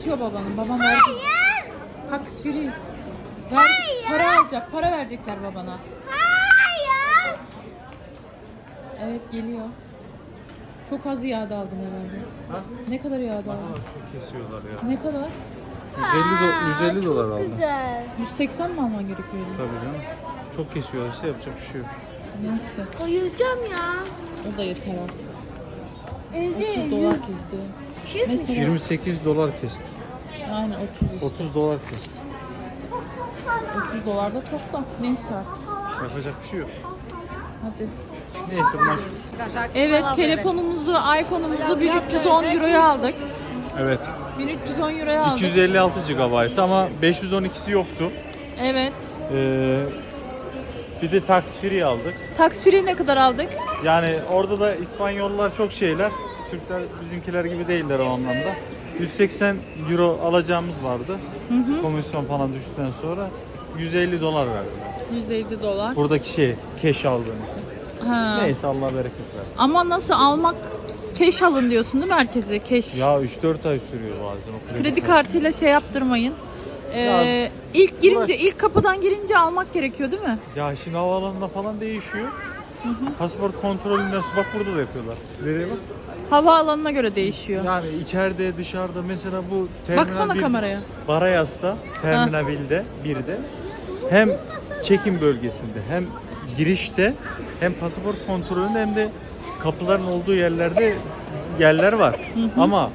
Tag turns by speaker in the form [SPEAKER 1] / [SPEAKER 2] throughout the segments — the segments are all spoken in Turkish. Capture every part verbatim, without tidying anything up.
[SPEAKER 1] bitiyor babanın. Babam verdi.
[SPEAKER 2] Hayır.
[SPEAKER 1] Tax free. Ver, para alacak. Para verecekler babana.
[SPEAKER 2] Hayır.
[SPEAKER 1] Evet geliyor. Çok az iade aldın herhalde.
[SPEAKER 3] Ha?
[SPEAKER 1] Ne kadar iade
[SPEAKER 3] Aa,
[SPEAKER 1] aldın?
[SPEAKER 3] çok kesiyorlar ya.
[SPEAKER 1] Ne kadar?
[SPEAKER 3] yüz elli, do- yüz elli dolar aldım.
[SPEAKER 2] Güzel.
[SPEAKER 1] yüz seksen mi alman gerekiyordu?
[SPEAKER 3] Tabii canım. Çok kesiyorlar işte, yapacak bir şey yok.
[SPEAKER 1] Neyse.
[SPEAKER 2] Uyuyacağım ya.
[SPEAKER 1] O da yeter artık.
[SPEAKER 2] Evde
[SPEAKER 1] otuz dolar kesti. Mesela
[SPEAKER 3] yirmi sekiz dolar kesti.
[SPEAKER 1] aynen otuz işte.
[SPEAKER 3] otuz dolar kesti.
[SPEAKER 1] otuz dolar da çok da. Neyse artık.
[SPEAKER 3] Yapacak bir şey yok.
[SPEAKER 1] Hadi.
[SPEAKER 3] Neyse bunlar.
[SPEAKER 1] Evet telefonumuzu, iPhone'umuzu bin üç yüz on euroya aldık.
[SPEAKER 3] Evet.
[SPEAKER 1] bin üç yüz on euroya aldık.
[SPEAKER 3] iki yüz elli altı gigabayt ama beş yüz on ikisi yoktu.
[SPEAKER 1] Evet.
[SPEAKER 3] Ee, bir de tax free aldık.
[SPEAKER 1] Tax free ne kadar aldık?
[SPEAKER 3] Yani orada da İspanyollar çok şeyler. Türkler bizimkiler gibi değiller o anlamda. yüz seksen euro alacağımız vardı.
[SPEAKER 1] Hı hı.
[SPEAKER 3] Komisyon falan düştükten sonra yüz elli dolar verdiler.
[SPEAKER 1] yüz elli dolar.
[SPEAKER 3] Buradaki şey cash aldığım.
[SPEAKER 1] Ha.
[SPEAKER 3] Neyse Allah bereket versin.
[SPEAKER 1] Ama nasıl almak, cash alın diyorsun değil mi herkese? Cash.
[SPEAKER 3] Ya üç dört ay sürüyor bazen o kredi,
[SPEAKER 1] Kredi
[SPEAKER 3] kartı.
[SPEAKER 1] kartıyla şey yaptırmayın. Ee,
[SPEAKER 3] Ya,
[SPEAKER 1] ilk girince,
[SPEAKER 3] bırak.
[SPEAKER 1] ilk kapıdan girince almak gerekiyor değil mi?
[SPEAKER 3] Ya şimdi havaalanında falan değişiyor. Pasaport kontrolünden bak burada da yapıyorlar. Nereye bak?
[SPEAKER 1] Havaalanına göre değişiyor.
[SPEAKER 3] Yani içeride dışarıda mesela bu terminal
[SPEAKER 1] Baksana
[SPEAKER 3] bir-
[SPEAKER 1] kameraya.
[SPEAKER 3] Barayas'ta terminal birde, birde hem çekim bölgesinde hem girişte hem pasaport kontrolünde hem de kapıların olduğu yerlerde yerler var. Ama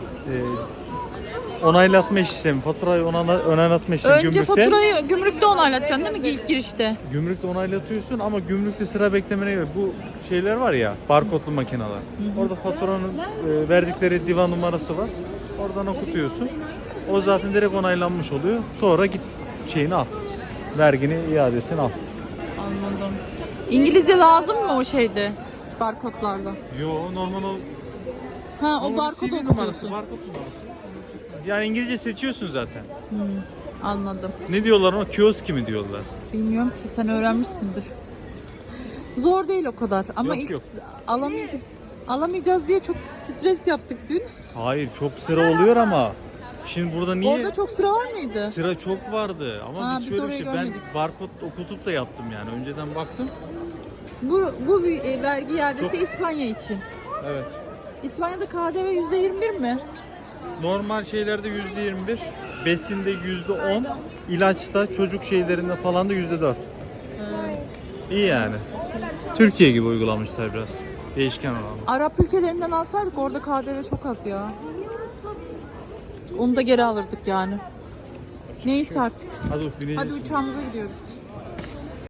[SPEAKER 3] e, onaylatma işlemi, faturayı onayla- onaylatma işlemi
[SPEAKER 1] Önce
[SPEAKER 3] gümrükte.
[SPEAKER 1] faturayı gümrükte onaylatacaksın değil mi ilk girişte?
[SPEAKER 3] Gümrükte onaylatıyorsun ama gümrükte sıra beklemene göre bu şeyler var ya, barkodlu makineler. Orada faturanın e, verdikleri divan numarası var. Oradan okutuyorsun. O zaten direkt onaylanmış oluyor. Sonra git şeyini al. Vergini, iadesini al.
[SPEAKER 1] Anladım. İngilizce lazım mı o şeyde? Barkodlarda.
[SPEAKER 3] Yo normal o.
[SPEAKER 1] Ha o
[SPEAKER 3] normal
[SPEAKER 1] barkodu
[SPEAKER 3] C V numarası,
[SPEAKER 1] okutuyorsun.
[SPEAKER 3] barkod numarası. Yani İngilizce seçiyorsun zaten.
[SPEAKER 1] Hmm, anladım.
[SPEAKER 3] Ne diyorlar ona? Kioski mi diyorlar?
[SPEAKER 1] Bilmiyorum ki sen öğrenmişsindir. Zor değil o kadar ama
[SPEAKER 3] Yok,
[SPEAKER 1] ilk
[SPEAKER 3] yok.
[SPEAKER 1] alamayacağız. Alamayacağız diye çok stres yaptık dün.
[SPEAKER 3] Hayır, çok sıra oluyor ama şimdi burada niye?
[SPEAKER 1] Orada çok sıra var mıydı?
[SPEAKER 3] Sıra çok vardı ama
[SPEAKER 1] Ha,
[SPEAKER 3] biz
[SPEAKER 1] biz
[SPEAKER 3] şöyle bir
[SPEAKER 1] orayı
[SPEAKER 3] şey, ben
[SPEAKER 1] görmedik.
[SPEAKER 3] barkod okutup da yaptım yani önceden baktım.
[SPEAKER 1] Bu bu bir e, vergi iadesi
[SPEAKER 3] Çok-
[SPEAKER 1] İspanya için.
[SPEAKER 3] Evet.
[SPEAKER 1] İspanya'da K D V yüzde yirmi bir mi?
[SPEAKER 3] Normal şeylerde yüzde yirmi bir, besinde yüzde on, ilaçta, çocuk şeylerinde falan da yüzde dört. İyi yani. Türkiye gibi uygulamışlar biraz. Değişken oranı.
[SPEAKER 1] Arap ülkelerinden alsaydık orada K D V çok az ya. Onu da geri alırdık yani. Neyse artık.
[SPEAKER 3] Hadi bineceğiz.
[SPEAKER 1] Hadi uçağımıza gidiyoruz.